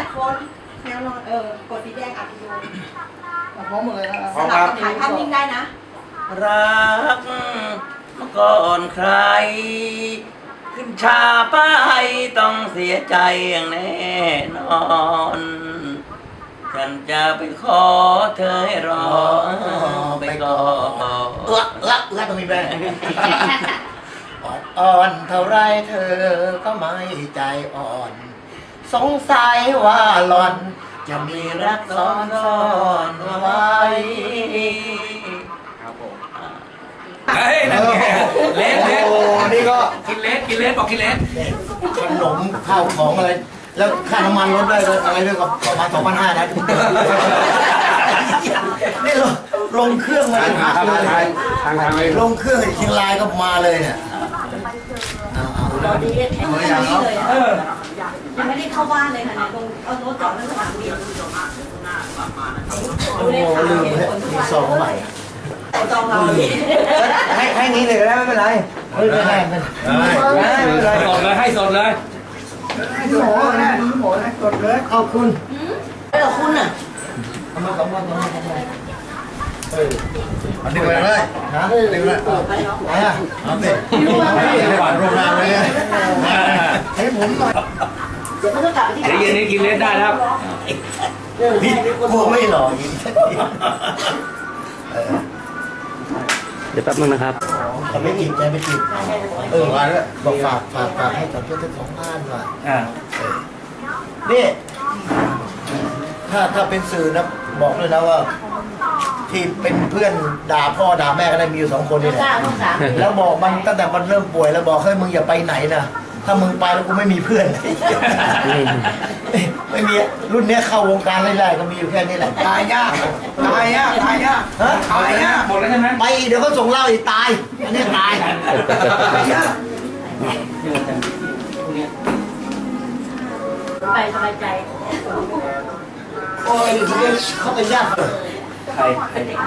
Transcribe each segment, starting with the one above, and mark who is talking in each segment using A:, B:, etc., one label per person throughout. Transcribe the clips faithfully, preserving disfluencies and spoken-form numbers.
A: คนแนวนอนเออกดสีแดงอัดวิดีโอ
B: พร้อมหมดเลยนะ
A: สลับถ่ายภาพนิ่งได้นะ
C: รักเมื่อก่อนใคร ขึ้นชาไปต้องเสียใจอย่างแน่นอน ฉันจะไปขอเธอให้รอไปก่อนเอื้อเอื้อเอื้อตรงนี้ไป
B: อ่อนเท่าไรเธอก็ไม่ใจอ่อน สงสัยว่าหล่อนจะมีรักซ้อนซ้อนไว้ครับผม
D: เฮ้ยนั่นไงเลสเลส
B: โอ้นี่ก็
D: กินเลสกินเลสบอกกินเลส
B: ขนมข้าวของอะไร แล้วค่าน้ำมันลดได้เลยอะไรด้วยกับประมาณสองพันห้านะนี่เราลงเครื่องมาพักเลยลงเครื่องเชียงรายก็มาเลยเนี่ย
A: ตอนนี้แข็งไม่ได้เลยอ่ะยังไม่ได้เข้าบ้านเลยค่ะเนี่ยตรงเอารถจอดที่สนามบิน
B: โอ้โหลืมเลยมีซองใหม่
A: จองเรา
B: ให้ให้นี้เลยก็ได้ไม่เป็นไรไม่เป็นไรไม่เป็นไร
D: สดเลยให้สดเลย
B: ให้หมอนะหมอนะกดเลยขอบคุณ
A: เออคุณอ่ะ
B: ทำมาทำมาทำมาทำมาเอออันนี้ไปเลยฮะดึงเลยไหนอ่ะเอาสิหวานโรงงานเลยให้ผมหน่อย
A: เดี๋ยวเขาจะกลับไปที่
D: เดี๋ยวเย็นนี้กินเลสได้แล้ว
B: พี่กลัวไม่หล่ออีก
C: เดี๋ยวแป๊บนึงนะครับ
B: แต่ไม่จีบใจไม่จีบเออมาแล้วบอกฝากฝากฝากให้กับเพื่อนทั้งสองบ้านว่ะนี่ถ้าถ้าเป็นสื่อนะบอกเลยนะว่าที่เป็นเพื่อนด่าพ่อด่าแม่ก็ได้มีอยู่สองคนนี่แหละแล้วบอกมันตั้งแต่มันเริ่มป่วยแล้วบอกเฮ้ยมึงอย่าไปไหนนะถ้ามึงไปแล้วกูไม่มีเพื่อนไม่มีรุ่นนี้เข้าวงการไล่ๆก็มีอยู่แค่นี้แหละตายยากตายยากตายยากฮะตายยาก
D: หมดแล้วใช่ไหม
B: ไปเดี๋ยวเขาส่งเหล้าอีกตายอันนี้ตายตายยาก
A: ไปสบายใจ
B: โอ้ยเขาเป็นญาติ
D: ใคร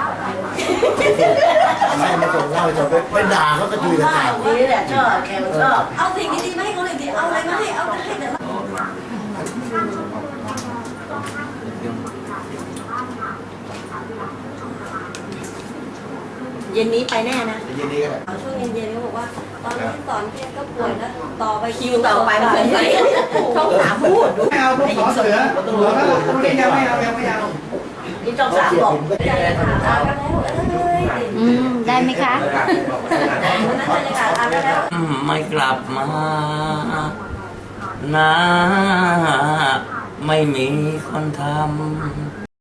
B: ไม่มาส่งเหล้าจะไปไปด่าเขาก็ดีกัน
A: นี่แหละชอบแกมันชอบเอาสิ่งดีๆมาให้เขาเลยดิเอาอะไรมาให้เอาให้แต่เย็นนี้ไปแน่นะ
B: เย็นนี้ก็ได้
A: ช่วงเย็นๆเขาบอกว่าตอนนี้สอนเพียงก็ป่วยแล้วต่อไปคิวต่อไปมันเป็นไรช่องสามพูด
B: ไม่เอาพวกขอเสือหัวก็ไม่เอาไม่เอาไม่เอา
A: นี่ช่องสามบอกใจถามอากันแล้ว
E: อืมได้ไหมคะ
C: ไม่กลับมานะไม่มีคนทำ